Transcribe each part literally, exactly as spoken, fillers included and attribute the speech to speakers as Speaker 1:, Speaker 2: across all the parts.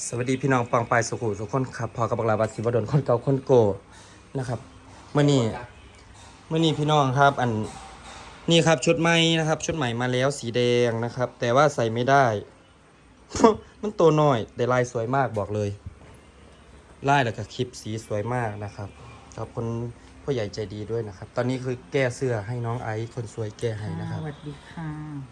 Speaker 1: สวัสดีพี่น้องปองปายสุขุสุขคนครับพอกับบักลาวัดศิวดลคนเก่าคนโกนะครับเมื่อนี้เมื่อนี้พี่น้องครับอันนี่ครับชุดใหม่นะครับชุดใหม่มาแล้วสีแดงนะครับแต่ว่าใส่ไม่ได้ มันตัวน้อยแต่ลายสวยมากบอกเลยลายแล้วก็คลิปสีสวยมากนะครับขอบคุณพ่อใหญ่ใจดีด้วยนะครับตอนนี้คือแก้เสื้อให้น้องไอซ์คนสวยแก้ให้นะครับ
Speaker 2: สวัสดีค่ะ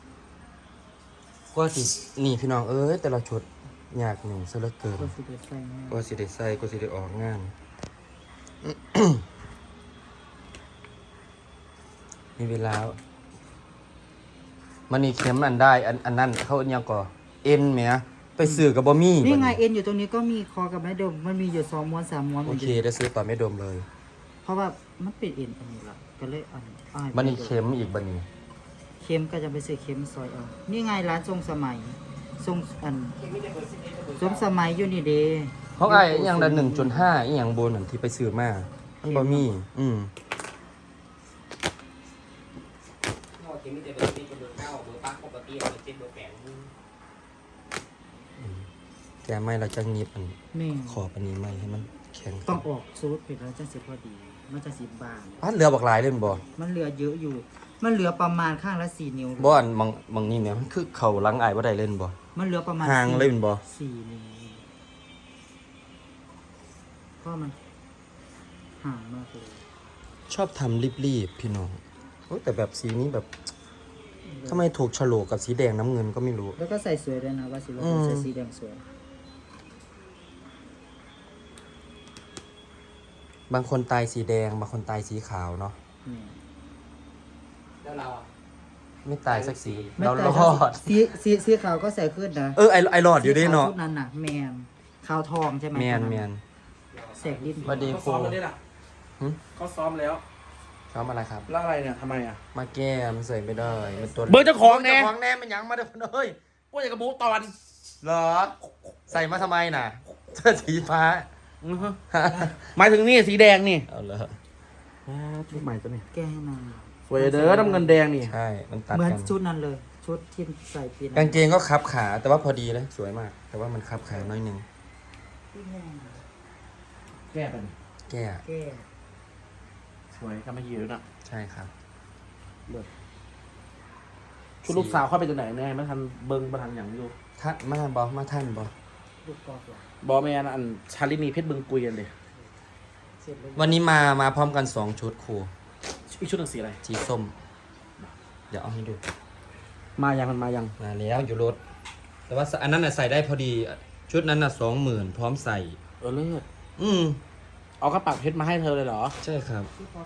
Speaker 1: ว่าสินี่พี่น้องเอ้ยแต่ละชุดยากหนึ่งซะเหลือเกิน
Speaker 2: ก็สิเดใส่แม่
Speaker 1: ก็สิได้ใส่ก็สิได้ออกงาน มีเวลามันนี่เข็มอันได้อันอันนั้นเขาอันยังก่อเอ็นแหมไปซื้อกับบะมี่
Speaker 2: นี่ไงเอ็นอยู่ตรงนี้ก็มีคอกับแม่ดมมันมีอยู่สองม้วนสามม้วน
Speaker 1: โอเคได้ซื้อต่อไม่ดมเลย
Speaker 2: เพราะว่ามันเป็นเอ็นอันนี้ละก็เลยอันอ้าย
Speaker 1: มันนี่เข็มอีกบันนี้
Speaker 2: เข็มก็จะไปซื้อเข็มซอยเอานี่ไงร้านทรงสมัยทรงอันทรงสมัยอยู่นี่เด้
Speaker 1: เขาไอ้อยังละหนึ่งจุดห้าอีหยังโบนอันที่ไปซื้อมามันบะมี่อืมแกไม่เราจะงีบอัน
Speaker 2: แม่
Speaker 1: ขอบอันนี้ไม่ให้มันแข็ง
Speaker 2: ต้องออกซูดเผ็ดแล้วจะสิพอดี มันจะสิบาง
Speaker 1: พัดเรือบักหลายเล่นบ่
Speaker 2: มันเหลือเยอะอยู่ มันเหลือประมาณข้างละสี่นิ้ว
Speaker 1: บ่อันบางบางนี่เนี่ยมันคือเข่าหลังอายบ่ได้เล่นบ่
Speaker 2: มันเหลือประมาณ
Speaker 1: ห่าง
Speaker 2: สี่
Speaker 1: เล่นบ่
Speaker 2: สี่นิ้วเพราะมันห่างมากเลย
Speaker 1: ชอบทำรีบๆพี่น้องโอ้แต่แบบสีนี้แบบทำไมถูกโฉลกกับสีแดงน้ำเงินก็ไม่รู้
Speaker 2: แล้วก็ใส่สวยด้วยนะว่าสิว่า
Speaker 1: อืม
Speaker 2: ใส่สีแดงสวย
Speaker 1: บางคนตายสีแดงบางคนตายสีขาวเนาะ
Speaker 2: นี่
Speaker 3: แล้วเราอ่ะ
Speaker 1: ไม่ตายสักสี
Speaker 2: ไม่
Speaker 1: เรา
Speaker 2: แต่
Speaker 1: รอด
Speaker 2: สีสีสีขาวก็ใส่ขึ้นนะ
Speaker 1: เออไอไอรอดอยู่ด้วยเนาะ
Speaker 2: สีขวชุดนั้นน่ะแมนขาวทองใช่ไหม
Speaker 1: แมนแมน
Speaker 2: แสกลิ้น
Speaker 1: สวัสดี
Speaker 3: เขาซ้อมแล้วนี่ล่ะ
Speaker 1: หึ
Speaker 3: เขาซ้อมแล้ว
Speaker 1: ชอบอะไรครับ
Speaker 3: แล้วอะไรเนี่ยทำไมอ่ะ
Speaker 1: มาแก้มันใส่ไม่ได้มันตัว
Speaker 3: เบอร์เจ้าของแน่
Speaker 1: เจ้าของแน่มันยังมาเด้อเฮ้ย
Speaker 3: ว่าอย่างกระบูตอน
Speaker 1: เหรอใส่มาทำไมน่ะเสื้อสีฟ้า
Speaker 3: หมายถึงนี่สีแดงนี่
Speaker 1: เอาเลย
Speaker 3: ชุดใหม่ตัวนี้
Speaker 2: แก้ให้นาง
Speaker 3: สวยเด้อน้ำเงินแดงนี่
Speaker 1: ใช่มันตัด
Speaker 2: เหมือน
Speaker 1: กัน
Speaker 2: ชุดนั้นเลย ชุดที่ใส่ปีน
Speaker 1: กางเกงก็คับขาแต่ว่าพอดีเลยสวยมาก แต่ว่ามันคับขาน้อยหนึง
Speaker 3: แก้ไปนี่
Speaker 1: แก้
Speaker 2: แก้
Speaker 3: สวยก็ไม่ยืดนะ
Speaker 1: ใช่ครับ
Speaker 3: ชุดลูกสาวเข้าไปจากไหนแน่ไม่ทันเบิ้งมาทันอย่างอยู่
Speaker 1: ท่านมาบอมาท่านบอ
Speaker 2: ลูกกอล์ฟเหรอบ
Speaker 3: อแมนอันชาลินีเพชรบึงกุยกันเลย
Speaker 2: เสร็จแล้ว
Speaker 1: วันนี้มามาพร้อมกันสองชุดครู
Speaker 3: อีกชุดหนึ่งสีอะไร
Speaker 1: สีส้ม เดี๋ยวเอาให้ดู
Speaker 3: มายังมันมายัง
Speaker 1: มาแล้วอยู่รถ แต่ว่าอันนั้นน่ะใส่ได้พอดี ชุดนั้นน่ะสองหมื่นพร้อมใส่
Speaker 3: เออเลิศ
Speaker 1: อืม
Speaker 3: เอากระปักเพชรมาให้เธอเลยเหรอ
Speaker 1: ใช่ครับ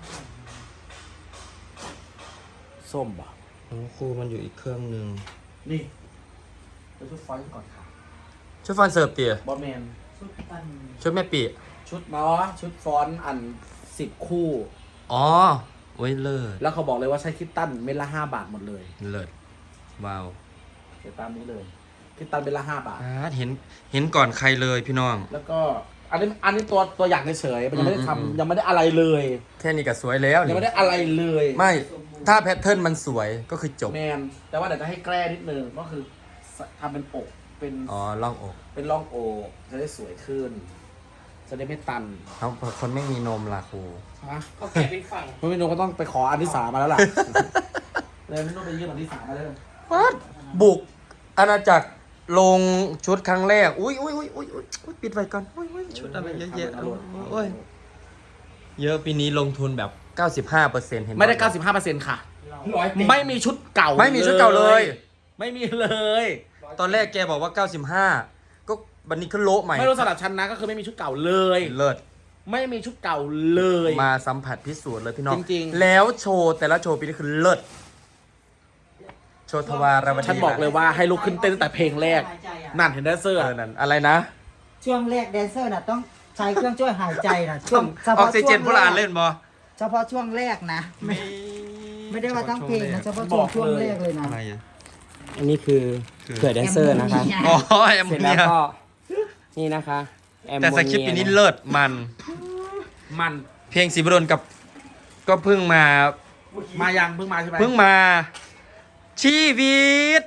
Speaker 3: ส้มป่ะ
Speaker 1: ของครูมันอยู่อีกเครื่องหนึ่ง
Speaker 3: นี่ไปชุดฟอยล์ก่อนค่ะ
Speaker 1: ชุดฟันเสิร์ฟเตี๋ย
Speaker 3: บอแมน
Speaker 2: ชุดอัน
Speaker 1: ชุดแม่ปี
Speaker 3: ชุดมาชุดฟอนต์อันสิบคู่
Speaker 1: อ๋อโอ้ยเลิศ
Speaker 3: แล้วเขาบอกเลยว่าใช้คิตตันเม็ดละห้าบาทหมดเลย
Speaker 1: เลิศว้าว
Speaker 3: เดี๋ยวตามนี้เลย คิตตันเม็ดละห้าบาท
Speaker 1: อ่าเห็นเห็นก่อนใครเลยพี่น้อง
Speaker 3: แล้วก็อันนี้อันนี้ตัวตัวอย่างเฉยๆมันยังไม่ได้
Speaker 1: อืมอืม
Speaker 3: ทำยังไม่ได้อะไรเลย
Speaker 1: แค่นี้ก็สวยแล้ว
Speaker 3: ยัง
Speaker 1: นี่
Speaker 3: ไม่ได้อะไรเลย
Speaker 1: ไม่ ถ้าแพทเทิร์นมันสวยก็คือจบ
Speaker 3: แมนแต่ว่าเดี๋ยวจะให้แกล้นิดนึงก็คือทำเป็นอกเป็น
Speaker 1: อ๋อล่องอก
Speaker 3: เป็นร่องอกจะได้สวยขึ้น จะได้ไม่ตัน
Speaker 1: เขาคนไม่มีนมล่ะครู
Speaker 3: ฮะก็แกะเป็นฝั่งไม่มีโนก็ต้องไปขออันที่สามมาแล้วล่ะ เลยไม่ต้องไปยื่นอันที่สามมาเลย
Speaker 1: วัดบุกอาณาจักรลงชุดครั้งแรก อุ้ยอุ้ยอุ้ยอุ้ยอุ้ยอุ๊ยปิดไว้ก่อนอุ้ยอุ้ยชุดอะไรเยอะแยะโอ้ยเยอะปีนี้ลงทุนแบบ เก้าสิบห้าเปอร์เซ็นต์ เห็น
Speaker 3: ไม่ได้ เก้าสิบห้าเปอร์เซ็นต์ ค่ะ ไม่มีชุดเก่า
Speaker 1: ไม่มีชุดเก่าเลย
Speaker 3: ไม่มีเลย
Speaker 1: ตอนแรกแกบอกว่า เก้าสิบห้า ก็วันนี้ขึ้นโละใหม่
Speaker 3: ไม่รู้สำหรับฉันนะก็คือไม่มีชุดเก่าเลย
Speaker 1: เลิศ
Speaker 3: ไม่มีชุดเก่าเลย
Speaker 1: มาสัมผัสพิสูจน์เลยพี่น้อง
Speaker 3: จริงๆ
Speaker 1: แล้วโชว์แต่ละโชว์ปีนี้คือเลิศโชว์ทวารวดี
Speaker 3: ฉันบอกเลยว่าให้ลุกขึ้นเต้นตั้งแต่เพลงแรก
Speaker 2: หายใจอะ
Speaker 3: นั่นเห็นแดนเซอร์
Speaker 1: เออนั่นอะไรนะ
Speaker 2: ช่วงแรกแดนเซอร์น่ะต้องใช้เครื่องช่วยหายใจนะช่วงเฉ
Speaker 1: ออ
Speaker 2: พาะ
Speaker 1: กซิเจน
Speaker 2: ช่วง
Speaker 1: พวกเราอ่านเล่นบอ
Speaker 2: เฉพาะช่วงแรกนะ ไม่ไม่ได้ว่าทั้งเพลงนะเฉพาะช่วงช่วงแรกเลยนะ
Speaker 1: อะไรอ่ะ
Speaker 4: อันนี้คือ
Speaker 1: คือ
Speaker 4: เผื่อแดนเซอร์นะคะ
Speaker 1: อ๋อแอม
Speaker 4: เสร็จ
Speaker 1: เนี
Speaker 4: แล้ว
Speaker 1: ย
Speaker 4: ก็นี่นะคะแอมโม
Speaker 1: แต่
Speaker 4: เนีย
Speaker 1: สคริปต์ปีนี้เลิศมัน
Speaker 3: มัน
Speaker 1: เพลงสีบดลกับ ก็เพิ่งมา
Speaker 3: มายังเพิ่งมาใช่ไหม
Speaker 1: เพิ่งมา ชีวิต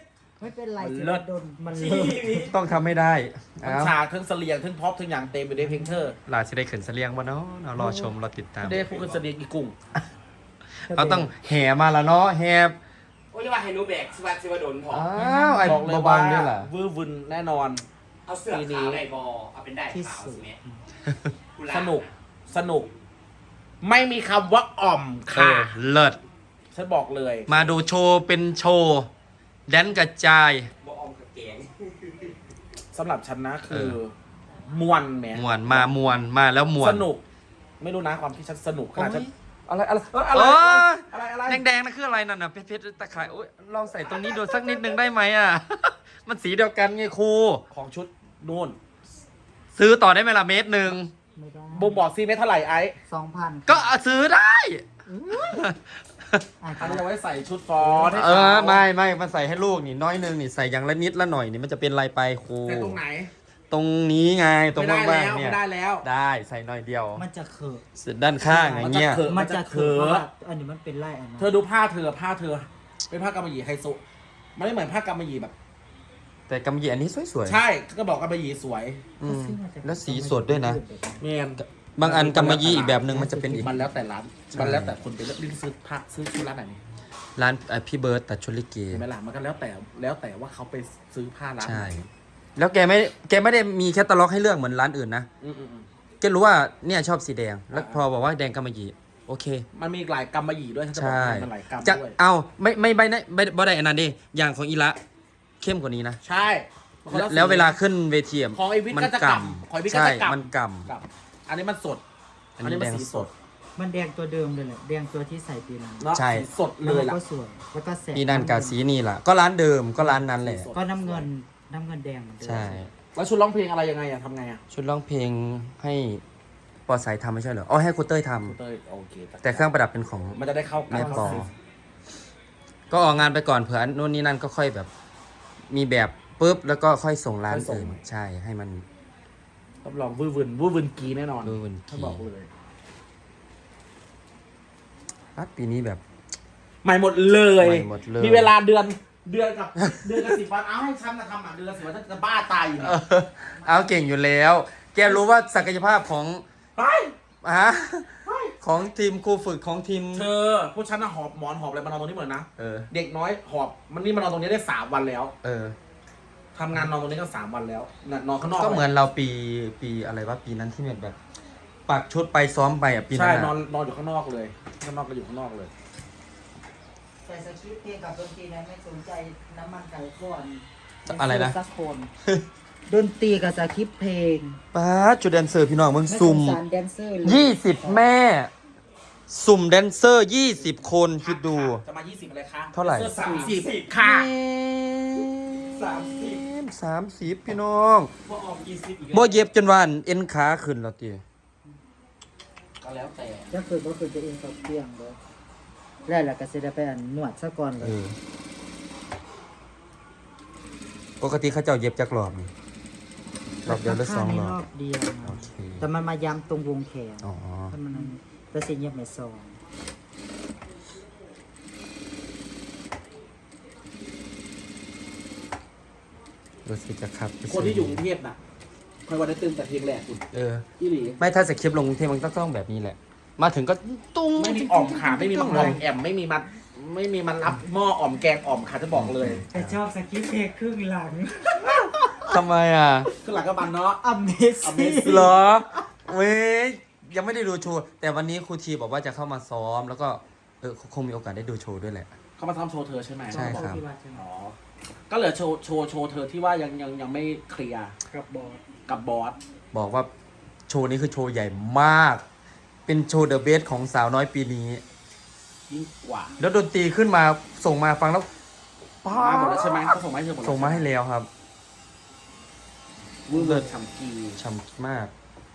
Speaker 2: ไม่เป็นไร
Speaker 3: มัน
Speaker 2: สิ
Speaker 3: เลิศ
Speaker 2: โดนมันเลิศ
Speaker 1: ต้องทำไม่ได้
Speaker 3: ทั้ง
Speaker 1: เอา
Speaker 3: ฉากทั้งเสลียงทั้งพ็อปทั้งอย่างเต็มไปด้วยเพลงเธอ
Speaker 1: หลาจะได้ขึ้นเสลียงบ่เนาะเรารอชมรอติดตาม
Speaker 3: ได้พูดกันเสลียงอีกุ้ง
Speaker 1: เราต้องแห่มาละเนาะแห่
Speaker 4: โอ้ยว่าให้หนูแบกสิว่าสิว่าโดนพอ
Speaker 1: อ้าวไอ้
Speaker 3: บอกเลย
Speaker 1: เบา
Speaker 3: ว่า
Speaker 1: ๆนี่แหละ
Speaker 3: วื้อวึนแน่นอน
Speaker 4: เอาเสื้อขาวได้บอเอาเป็นได้
Speaker 2: ที่
Speaker 4: ขาว
Speaker 2: สุด
Speaker 4: สิแม่
Speaker 3: สนุกสนุก ไม่มีคำว่าอ่อม
Speaker 1: เอ
Speaker 3: ค่ะ
Speaker 1: อเลิศ
Speaker 3: ฉันบอกเลย
Speaker 1: มาดูโชว์เป็นโชว์แดนกระจาย
Speaker 4: บอออมกับแกง
Speaker 3: สำหรับฉันนะคือ
Speaker 1: เออ
Speaker 3: มวนแหม
Speaker 1: มวนมามวนมาแล้วมวน
Speaker 3: สนุก ไม่รู้นะความที่ฉันสนุกขนาดฉัน
Speaker 1: โอ้ย
Speaker 3: อะไรอะไรเอ้ย
Speaker 1: เอ
Speaker 3: อะไร
Speaker 1: อ
Speaker 3: อะไรอะไร
Speaker 1: แดงๆนั่นคืออะไรนั่นน่ะเพชรๆตะข่ายโอ้ยลองใส่ตรงนี้ดูสักนิดนึงได้ไหมอ่ะ มันสีเดียวกันไงครู
Speaker 3: ของชุดนู่น
Speaker 1: ซื้อต่อได้ไหมล่ะเมตรหนึ่ง
Speaker 2: ไม่ได้
Speaker 3: บ่งบอกซีเมตรเท่าไหร่ไอ้
Speaker 2: สองพัน
Speaker 1: ก็เอาซื้อได้
Speaker 2: อาจ
Speaker 3: อัน
Speaker 2: จะ
Speaker 3: นี้เอาไว้ใส่ชุดฟอนให้
Speaker 1: เออ
Speaker 3: เขา
Speaker 1: ไม่ไม่มันใส่ให้ลูกนี่น้อยหนึงนี่ใส่อย่างละนิดละหน่อยนี่มันจะเป็นลายไปครู
Speaker 3: แต่ตรงไหน
Speaker 1: ตรงนี้ไงตรง
Speaker 3: ไม่ได้
Speaker 1: บ้าง
Speaker 3: แล้ว
Speaker 1: ๆเนี่ย
Speaker 3: ไม่ได้แล้ว
Speaker 1: ได้ใส่หน่อยเดียว
Speaker 2: มันจะเขิบ
Speaker 1: สุดด้านข้างอย่างเงี้ย
Speaker 3: มันจะเขิ
Speaker 2: มันจะเขิบ
Speaker 3: มันจะเขิบ
Speaker 2: เพราะว่าอันนี้มันเป็นไล่อันนั้น
Speaker 3: เธอดูผ้าเธอผ้าเธอ เป็นผ้ากำมะหยี่ไฮโซมันไม่เหมือนผ้ากำมะหยี่แบบ
Speaker 1: แต่กำยี่อันนี้สวยๆ
Speaker 3: ใช่ก็บอกกำมะหยี่สวย
Speaker 1: อืมแล้วสีสดด้วยนะ
Speaker 3: เมน
Speaker 1: บางอันกำมะยี่อีกแบบหนึ่งมันจะเป็นอีก
Speaker 3: มันแล้วแต่ร้าน มันแล้วแต่คนไปเลือกซื้อผ้าซื้อที่ร้านไหนนี่
Speaker 1: ร้านเอ่อพี่เบิร์ตตัดชุดลิเก
Speaker 3: เห็นไหมล่ะมันก็แล้วแต่แล้วแต่ว่าเขาไปซื้อผ้าร้าน
Speaker 1: ใช่
Speaker 3: ไหน
Speaker 1: แล้วแกไม่แกไม่ได้มีแคตตาล็อกให้เลือกเหมือนร้านอื่นนะ
Speaker 3: อืมอืมอืม
Speaker 1: แกรู้ว่าเนี่ยชอบสีแดง แล้วพอบอกว่าแดงกำมะหยี่โอเค
Speaker 3: มันมีหลายกำมะหยี่ด้วยถ้าจะบอก
Speaker 1: ใช่
Speaker 3: มันหลายกำ
Speaker 1: จะ
Speaker 3: ด้วย
Speaker 1: เอาไม่ไม่ใบนะไม่บ่ได้อันนั้นดิอย่างของอีละเข้มกว่านี้นะ
Speaker 3: ใช่มันคน
Speaker 1: แล้ว
Speaker 3: สี
Speaker 1: แล้วเวลาขึ้นเวทีะ
Speaker 3: ของไอ้วิทย์
Speaker 1: มั
Speaker 3: ก็จะกำของไอ้วิทย์ก็
Speaker 1: ใช่
Speaker 3: จะกำ
Speaker 1: มันก
Speaker 3: กับอันนี้มันสด
Speaker 1: ำ
Speaker 3: อันนี้มันสีสด
Speaker 2: มันแดงตัวเดิมเลยแหละแดงตัวที่ใส่ปีนั้น
Speaker 3: เนาะ
Speaker 1: ใช่
Speaker 3: สีสดเลย
Speaker 2: แว
Speaker 3: ล่ะ
Speaker 2: ก็สวยแล้วก็แสบ
Speaker 1: ปีนันกาสีนี่ล่ะ ก็ร้านเดิมก็ร้านนั้นแหละ
Speaker 2: ก็น้ำเงินน้ำเงินแดงเหมือนเดิม
Speaker 1: ใช่
Speaker 3: แล้วชุดร้องเพลงอะไรยังไงอะทำไงอะ
Speaker 1: ชุดร้องเพลงให้ปอสายทำไม่ใช่เหรออ๋อให้ครูเต้ยทำ
Speaker 3: เต้ยโอเค
Speaker 1: แต่เครื่องประดับเป็นของ
Speaker 3: มันจะได้เข้ากัน
Speaker 1: แม่ปอ
Speaker 3: เข้า
Speaker 1: ก็ออกงานไปก่อนเผื่ออันนู่นนี่นั่นก็ค่อยแบบ มีแบบปุ๊บแล้วก็ค่อยส่งร้านอื่นใช่ให้มัน
Speaker 3: รับรองวื้อวึนวื้อวึนกีแน่นอน
Speaker 1: ดูมัน
Speaker 3: ถ้า
Speaker 1: ที
Speaker 3: บอกเลย
Speaker 1: ปัดปีนี้แบบ
Speaker 3: ใหม่หมดเลย
Speaker 1: ใหม่หมดเลย
Speaker 3: มีเวลาเดือนเดือนกับ เดือนกับสิบวันเอาให้ฉันมาทำอ่ะเดือนกับสิบวันฉันจะบ้าตายอยู่
Speaker 1: เอ
Speaker 3: เนี่ย
Speaker 1: อเอาเก่งอยู่แล้ว แกรู้ว่าศักยภาพของ
Speaker 3: ไป
Speaker 1: ฮะของทีมครูฝึกของทีม
Speaker 3: เธอพวกฉันน่ะหอบหมอนหอบอะไรมานอนตรงนี้หมดเลยนะ
Speaker 1: เออ
Speaker 3: เด็กน้อยหอบมันนี่มานอนตรงนี้ได้สามวันแล้ว
Speaker 1: เออ
Speaker 3: ทำงานนอนตรงนี้ก็สามวันแล้วน่ะนอนข้างนอก
Speaker 1: ก็เหมือนเราปีปีอะไรวะปีนั้นที่แบบ ปักชุดไปซ้อมไปอ่ะปีนั้
Speaker 3: ใช่
Speaker 1: น
Speaker 3: นอน
Speaker 1: อะ
Speaker 3: นอนอยู่ข้างนอกเลยข้างนอกก็อยู่ข้างนอกเลย
Speaker 2: แต่สคริปต์เพลงกับดนตรีนั้นไม่สนใจน้ำมันไก่ก้อน
Speaker 1: อะไรนะ
Speaker 2: สักคนดนตรีกับสคริปต์เพลง
Speaker 1: ป้าดจุดแดนเซอร์พี่น้องมึง
Speaker 2: ไม่ส
Speaker 1: ซุ่
Speaker 2: ง
Speaker 1: ม
Speaker 2: สารแดนเซอร์เลย
Speaker 1: ยี่สิบแม่ สุ่มแดนเซอร์ยี่สิบคนคิดดู
Speaker 3: จะมายี่สิบอะไรคะ
Speaker 1: เท่าไหร่
Speaker 3: สามสิบค่ะ
Speaker 1: สามสิบสามสิบพี่น้อง
Speaker 3: พวกออกยี่สิบอีก
Speaker 1: บ่เย็บจนว่าเอ็นขาขึ้นแล้วตี
Speaker 3: ก็แล้วแต่
Speaker 2: จะคือก็คือจะเองกับเตียงเลยแล้วแหละก็จะได้ไปอันนวดซะก่อนเล
Speaker 1: เอย อปกติเขาเจ้าเย็บจักรอบนี่รอบเดียวหรือสองรอบ
Speaker 2: รอบเดียว
Speaker 1: โอ
Speaker 2: นะ
Speaker 1: เค
Speaker 2: แต่มันมาย้ำตรงวงแขน
Speaker 1: อ๋อ
Speaker 2: ถ้ามันนั้นแต่สิเงียบไม่ซอง
Speaker 1: รู้สึกจะครับ
Speaker 3: คนที่อยู่กรุงเทพน่ะคอยวันได้ตื่นแต่เพียงแรกคุณ
Speaker 1: เออ
Speaker 3: พี่หลี
Speaker 1: ไม่ถ้าสคริปต์ลงกรุงเทพมันต้องต้องแบบนี้แหละ มาถึงก็ตุ้ง
Speaker 3: ไม่มีอ่อมขาไม่มีมังอ่อมแอมไม่มีมันไม่มีมันรับหม้ออ่อมแกงอ่อมค่ะจะบอกเลย
Speaker 2: แต่ชอบสกิปเพลงครึ่งหลัง
Speaker 1: ทำไมอ่ะ
Speaker 3: คือหลังกับมันเนาะ
Speaker 2: Amazing
Speaker 3: Amazing
Speaker 1: เหรอเว้ยยังไม่ได้ดูโชว์ แต่วันนี้ครูทีบอกว่าจะเข้ามาซ้อม แล้วก็เออคงมีโอกาสได้ดูโชว์ด้วยแหละ
Speaker 3: เขามาทำโชว์เธอใช่ไหม
Speaker 1: ใช่ครับ
Speaker 3: อ๋อก็เหลือโชว์โชว์โชว์เธอที่ว่ายังยังยังไม่เคลียร์
Speaker 2: กับบอส
Speaker 3: กับบอส
Speaker 1: บอกว่าโชว์นี้คือโชว์ใหญ่มาก เป็นโชว์เดอะเบสของสาวน้อยปีนี้
Speaker 3: ยิ่งกว่า
Speaker 1: แล้วดนตรีขึ้นมาส่งมาฟังแล้วป้า
Speaker 3: มาหมดแล้วใช่ไหมเขาส่งมาให้เธอหมดแล้ว
Speaker 1: ส่งมาให้แล้วครับ
Speaker 3: วื้อเบิร์ดฉ่ำกี
Speaker 1: ช่ำมาก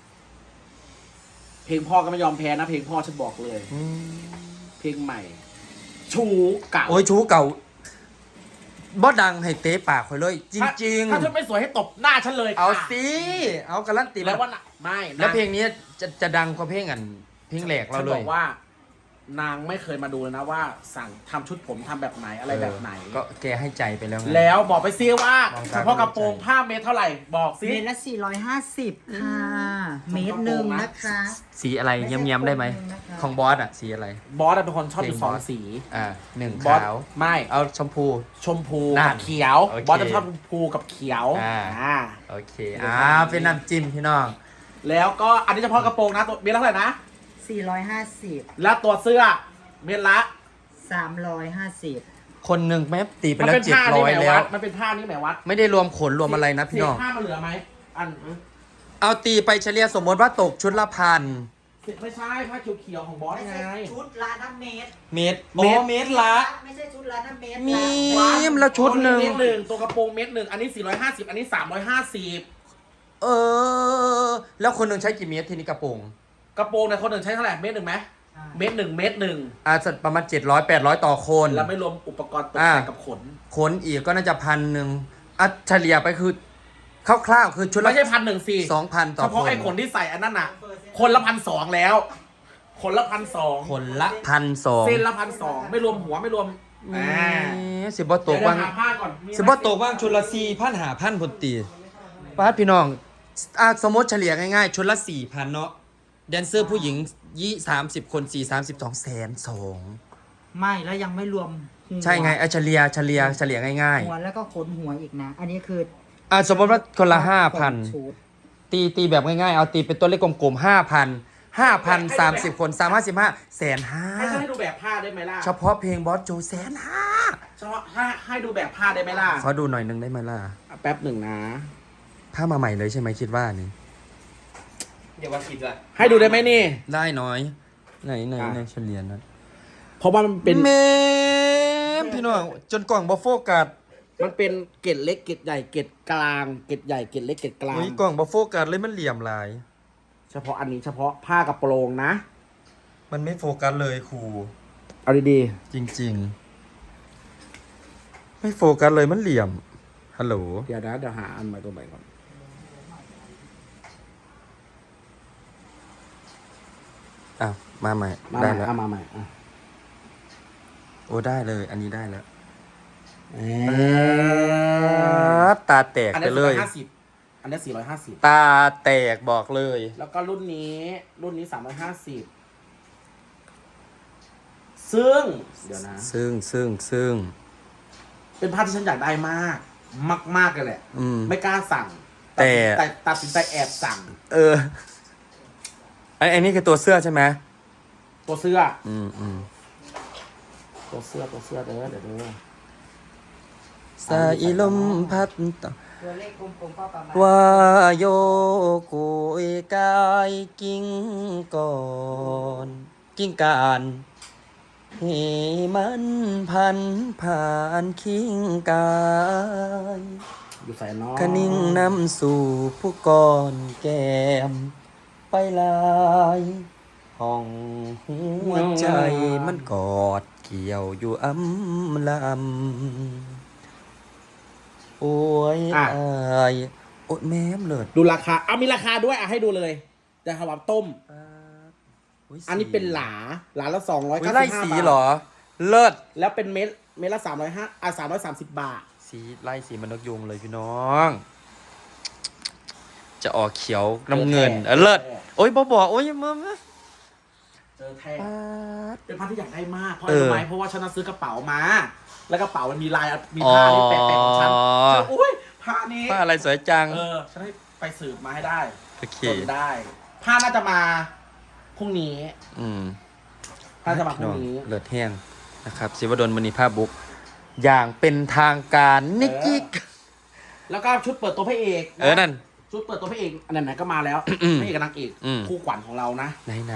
Speaker 3: เพลงพ่อก็ไม่ยอมแพ้นะ เพลงพ่อฉันบอกเลย
Speaker 1: อืม
Speaker 3: เพลงใหม่ ชูเก่า
Speaker 1: โอ้ยชูเก่าบ่ดังให้เตะปากคอยเลย จริง
Speaker 3: ถ้าเธอไม่สวยให้ตบหน้าฉันเลย
Speaker 1: ๆ เอา
Speaker 3: ค่ะ
Speaker 1: สิ เอาการันตี
Speaker 3: แล้วว่าน่ะไม่นะ
Speaker 1: แล้วเพลงนี้จะจะดังกว่าเพลงอันเพลงแหลกเรา
Speaker 3: ฉัน
Speaker 1: เล
Speaker 3: บ
Speaker 1: ย
Speaker 3: อกว่านางไม่เคยมาดูเลยนะว่าสั่งทำชุดผมทำแบบไหนอะไรแบบไหน
Speaker 1: เออก็แกให้ใจไปแล้วไง
Speaker 3: แล้วบอกไปซิว่า
Speaker 1: ลอง
Speaker 3: เฉ
Speaker 1: ตาม
Speaker 3: พาะกระโปรงผ้าเมตรเท่าไหร่บอกซิ
Speaker 2: เมตรละสี่ร้อยห้าสิบค่ะ เมตรหนึ่งนะคะ
Speaker 1: สีอะไรเงี้ยมๆได้ไหม
Speaker 2: ไม่ใช่คนหนึ่งนะคะ
Speaker 1: ของบอสอะสีอะไร
Speaker 3: บอสเป็นคนชอบอยู่สองสี
Speaker 1: อ่าหนึ่ง
Speaker 3: บอส
Speaker 1: ขาว
Speaker 3: ไม่
Speaker 1: เอาชมพู
Speaker 3: ชมพู
Speaker 1: นั่
Speaker 3: กัน บเขียว
Speaker 1: โอเค
Speaker 3: บอสจะชอบชมพูกับเขียว
Speaker 1: อ่า
Speaker 3: อ่า
Speaker 1: โอเคอ่าเป็นน้ำจิ้มพี่น้อง
Speaker 3: แล้วก็อันนี้เฉพาะกระโปรงนะตัวเมตรละเท่าไหร่นะ
Speaker 2: สี่ร้อยห้าสิบ
Speaker 3: แล้วตัวเสื้อเมตรละ
Speaker 2: สามร้อยห้าสิบ
Speaker 1: คนหนึ่งแม่ตีไป
Speaker 3: มัน
Speaker 1: แล้ว
Speaker 3: เป็น
Speaker 1: เจ็ด
Speaker 3: ผ้า
Speaker 1: ร้
Speaker 3: นี่
Speaker 1: อย
Speaker 3: แหม
Speaker 1: แล้
Speaker 3: วั
Speaker 1: ว
Speaker 3: ดมันเป็นผ้านี่แหมวัด
Speaker 1: ไม่ได้รวมขนรวมอะไรนะพี่น้อง
Speaker 3: เศษผ้ามันเหลือไหมอัน
Speaker 1: เอาตีไปเฉลี่ยสมมติว่าตกชุดละพัน
Speaker 3: ไม่ใช่ผ้าเขียวๆของบอส
Speaker 2: ไม่
Speaker 3: ไง
Speaker 2: ใช่ชุดละน้ำเมตร
Speaker 1: เมตร
Speaker 3: เม
Speaker 1: โอ้
Speaker 3: ตร
Speaker 1: เมตรละ
Speaker 2: ไม่ใช่ชุดละน้ำเมตร
Speaker 1: มี
Speaker 2: ละ
Speaker 1: มแล้วชุดหนึ่ง
Speaker 3: เมตรหนึ่งตัวกระโปรงเมตรหนึ่งอันนี้สี่ร้อยห้าสิบอันนี้สามร้อยห้าสิบ
Speaker 1: เออ แล้วคนหนึ่งใช้กี่เมตรทีนี้กระโปรง
Speaker 3: กระโปรงเนี่ยคนหนึ่งใช้เท่าไหร่เมตรหนึ่งไหมเมตรหนึ่งเมตรหนึ่ง
Speaker 1: อาจจะประมาณเจ็ดร้อยแปดร้อยต่อคน
Speaker 3: แล้วไม่รวมอุปกรณ์ตก
Speaker 1: อ่า
Speaker 3: แต่งกับขน
Speaker 1: ขนอีกก็น่าจะพันหนึ่งอ่ะเฉลี่ยไปคือคร่าวๆคือชุดละ
Speaker 3: ไม่ใช่พันหนึ่งสี่
Speaker 1: สองพันต่อ
Speaker 3: เฉ
Speaker 1: ค
Speaker 3: พาะ
Speaker 1: น
Speaker 3: ไอ้ขนที่ใส่อันนั้นน่ะ คนละพันสองแล้ว คนละพันสอง
Speaker 1: คนละพันสอง
Speaker 3: เส้นละพันสองไม่รวมหัวไม่รวมอ่า
Speaker 1: สิบบต
Speaker 3: เดี๋ย
Speaker 1: ก
Speaker 3: ว
Speaker 1: ว่าง
Speaker 3: หาผ้าก่อนมีไหม
Speaker 1: สิบบตกว่างชุดละสี่พันหาพันพนตีป้าดพี่น้องอ่ะสมมติเฉลี่ยง่ายๆ ชุดละสี่พันเนาะแดนเซอร์ผู้หญิงยี่สามสิบคนสี่สามสิบสองแสนสอง
Speaker 2: ไม่แล้วยังไม่รวมหัว
Speaker 1: ใช่ไงไอะเฉลี่ยเฉลี่ยเฉลี่ยง่าย
Speaker 2: หัวแล้วก็ขนหัวอีกนะ อันนี้คือ
Speaker 1: ๆอ่ะสมมติว่าคนละห้าพัน
Speaker 2: ชุด
Speaker 1: ตีตีแบบง่ายๆ เอาตีเป็นตัวเลขกลมๆห้าพันห้าพันสามสิบคนสามห้าสิบห้าแสนห้า
Speaker 3: ให้ฉันให้ดูแบบผ้าได้ไหมล่ะ
Speaker 1: เฉพาะเพลงบอสโจแสนห้า
Speaker 3: เฉพาะให้ให้ดูแบบผ้าได้ไหมล่ะ
Speaker 1: ขอดูหน่อยนึงได้ไหมล่ะ
Speaker 3: อ่ะแป๊บหนึ่งนะ
Speaker 1: ผ้ามาใหม่เลยใช่ไหมคิดว่านี่
Speaker 4: เดี๋ยวว่าคิดว่า
Speaker 3: ให้ดูได้ไหมนี่
Speaker 1: ได้น้อย ไหนไหน
Speaker 3: อ่ะ
Speaker 1: ในเฉลี่ยนะ
Speaker 3: เพราะว่ามันเป็น
Speaker 1: เมมพี่น้องจนกล่องบอโฟกัส
Speaker 3: มันเป็นเกล็ดเล็กเกล็ดใหญ่เกล็ดกลางเกล็ดใหญ่เกล็ดเล็กเกล็ดกลาง
Speaker 1: อุ้ยกล่องบอโฟกัสเลยมันเหลี่ยมลาย
Speaker 3: เฉพาะอันนี้เฉพาะผ้ากระโปรงนะ
Speaker 1: มันไม่โฟกัสเลยครู
Speaker 3: เอาดี
Speaker 1: จริงๆ ไม่โฟกัสเลยมันเหลี่ยมฮัลโหล
Speaker 3: ๆเดี๋ยวนะเดี๋ยวหาอันใหม่ตัวใหม่ก่อน
Speaker 1: อ่ะมาใหม่
Speaker 3: มาให
Speaker 1: ได้
Speaker 3: ม่
Speaker 1: แล้ว
Speaker 3: เอามาใหม่อ่ะ
Speaker 1: โอ้ได้เลย อันนี้ได้แล้ว
Speaker 3: เอ๊
Speaker 1: ะตาแตก
Speaker 3: อัน
Speaker 1: ไป
Speaker 3: นี้
Speaker 1: เล
Speaker 3: สี่ร้
Speaker 1: ย
Speaker 3: อยห้าสิบอันนี้สี่ร้อยห้าสิบ
Speaker 1: ตาแตกบอกเลย
Speaker 3: แล้วก็รุ่นนี้รุ่นนี้สามร้อยห้าสิบซึ่งเดี๋ยวนะ
Speaker 1: ซึ่งซึ่งซึ่ง
Speaker 3: เป็นผ้าที่ฉันอยากได้มาก มากๆเลยแหละ
Speaker 1: อืม
Speaker 3: ไม่กล้าสั่ง
Speaker 1: แต่
Speaker 3: แต่ตัดสินใจแอบสั่ง
Speaker 1: เออไอ้ไอ้นี่คือตัวเสื้อใช่ไหม
Speaker 3: ตัวเสื้อ
Speaker 1: อืมอืม
Speaker 3: ตัวเสื้อตัวเสื้อเด้อเดี๋ยวเด้อ
Speaker 1: สายลมพัดต่อ
Speaker 2: ตัวเลขกลมๆก็ประมาณ
Speaker 1: ว่าโยกุยกายกิ้งก่อน กิ้งการให้มันพันผ่านคิงกาย
Speaker 3: อยู่ใส่น้อง
Speaker 1: คนิ่งนำสู่ผู้ก่อนแก้ม ไปลายห้องหัวใจมันกอดเกี่ยวอยู่อ้ำลำโอ้ยอายโอ้ยแม่มเลิศ
Speaker 3: ดูราคาเอามีราคาด้วยอ่ะให้ดูเลยแต่ขวับต้ม อันนี้เป็นหลาหลาละสองร้อย
Speaker 1: อุ๊
Speaker 3: เก้าย สิ
Speaker 1: ไล่
Speaker 3: บห้า
Speaker 1: สี
Speaker 3: บาท
Speaker 1: เหรอ เลิศ
Speaker 3: แล้วเป็นเม็ดเม็ดละสามร้อยห้าอ่ะสามร้อยสามสิบบาท
Speaker 1: สีไล่สีมันนกยุงเลยพี่น้อง จะออกเขียวน้ำเงินเออเลิศโอ้ยบอบอกโอ้ยมามา
Speaker 3: เจอแท้
Speaker 1: ปาด
Speaker 3: เป็นผ้าที่อยากได้มากเพราะ
Speaker 1: เอ
Speaker 3: อะไร
Speaker 1: อ
Speaker 3: รู้ไหมเพราะว่าฉันน่ะซื้อกระเป๋ามา แล้วกระเป๋ามันมีลายมีผ้าที่แปะๆของฉัน
Speaker 1: อ๋อ
Speaker 3: ฉันอุ้ยผ้านี้
Speaker 1: ผ้าอะไรสวยจัง
Speaker 3: เออฉันให้ไปสืบมาให้ได้
Speaker 1: โอเค
Speaker 3: จนได้ ผ้าน่าจะมาพรุ่งนี้
Speaker 1: อืม
Speaker 3: น่าจะมาพ
Speaker 1: พี่
Speaker 3: รุ่
Speaker 1: น้อง
Speaker 3: งนี้
Speaker 1: เลิศแห้งนะครับศิวดลมณีภาพบุ๊กอย่างเป็นทางการนิกกิก
Speaker 3: แล้วก็ชุดเปิดตัวพระเอกะ
Speaker 1: เออนั่น
Speaker 3: ชุดเปิดตัวพระเอกอันไหนๆก็มาแล้ว
Speaker 1: อืม
Speaker 3: พระเอกกับนางเอก
Speaker 1: อืม
Speaker 3: คู่ขวัญของเรานะ
Speaker 1: ไหนไหน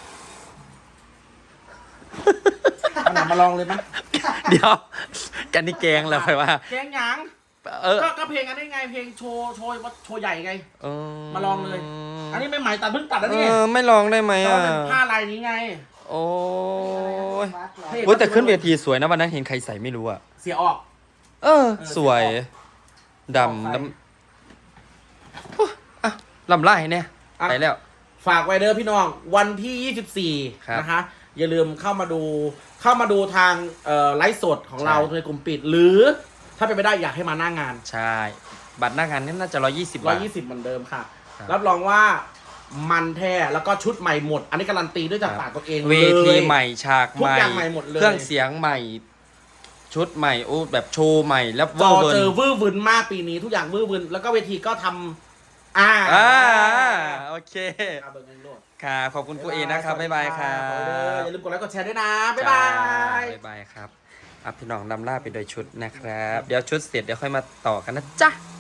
Speaker 3: เอาหนังมาลองเลยไหม
Speaker 1: เดี๋ยว กันนี่แกงแล้วไปว่า
Speaker 3: เพลงหยัง
Speaker 1: เออ
Speaker 3: ก็ก็เพลงอันนี้ไงเพลงโชว์โชว์โชว์ใหญ่ไง
Speaker 1: เออ
Speaker 3: มาลองเลย อันนี้ไม่ใหม่ตัดเพิ่งตัดแล้ว
Speaker 1: เอ
Speaker 3: นี่
Speaker 1: อไม่ลองได้ไหม
Speaker 3: แต่
Speaker 1: อ่ะ
Speaker 3: ว่าเป็นผ้าลายนี้ไง
Speaker 1: โอ้ย
Speaker 2: วัดเหรอ
Speaker 3: เฮ้ย
Speaker 1: โอ้ยแต่ขึ้นเวทีสวยนะวันนั้นเห็นใครใส่ไม่รู้อ่ะ
Speaker 3: เสียออก
Speaker 1: เออ สวย
Speaker 3: เออ
Speaker 1: ดำดำอุ๊ยอ่ะลำไล่เนี่ย
Speaker 3: อ่ะ
Speaker 1: ไปแล้ว
Speaker 3: ฝากไว้เด้อพี่น้องวันที่ยี่สิบสี่
Speaker 1: ครับ
Speaker 3: นะคะอย่าลืมเข้ามาดูเข้ามาดูทางเอ่อไลฟ์สดของเราในกลุ่มปิด หรือถ้าเป็นไปได้อยากให้มาหน้างาน
Speaker 1: ใช่ บัตรหน้างานนี่น่าจะร้อยยี่สิบ
Speaker 3: ร้อบ
Speaker 1: าย ท
Speaker 3: ยี่สิบเหมือนเดิมค่ะ
Speaker 1: ครับ
Speaker 3: รับรองว่ามันแท้แล้วก็ชุดใหม่หมด อันนี้การันตีด้วยจากปากตัวเอง
Speaker 1: เว
Speaker 3: เลย
Speaker 1: ทีใหม่ฉาก
Speaker 3: ทุ
Speaker 1: ให
Speaker 3: ก
Speaker 1: ม่
Speaker 3: อย่างใหม่หมดเลย
Speaker 1: เครื่องเสียงใหม่ ชุดใหม่โอ้แบบโชว์ใหม่แล้ว
Speaker 3: จอ
Speaker 1: เวอร์
Speaker 3: เจอ
Speaker 1: เวิร์น
Speaker 3: วื้อวึนมากปีนี้ทุกอย่างวื้อวึนแล้วก็เวทีก็ทำอ่า
Speaker 1: อ่าโอเค
Speaker 3: เอาเบอร์เงินโลด
Speaker 1: ค่ะขอบคุณครูเอนะครับบ๊ายบายครั
Speaker 3: ขอบคุณเด้อบ อย่าลืมกดไลค์กดแชร์ด้วยนะ บ๊ายบาย
Speaker 1: บ๊ายบายครับอ่ะพี่น้องนำล่าไปโดยชุดนะครับ เดี๋ยวชุดเสร็จเดี๋ยวค่อยมาต่อกันนะจ๊ะ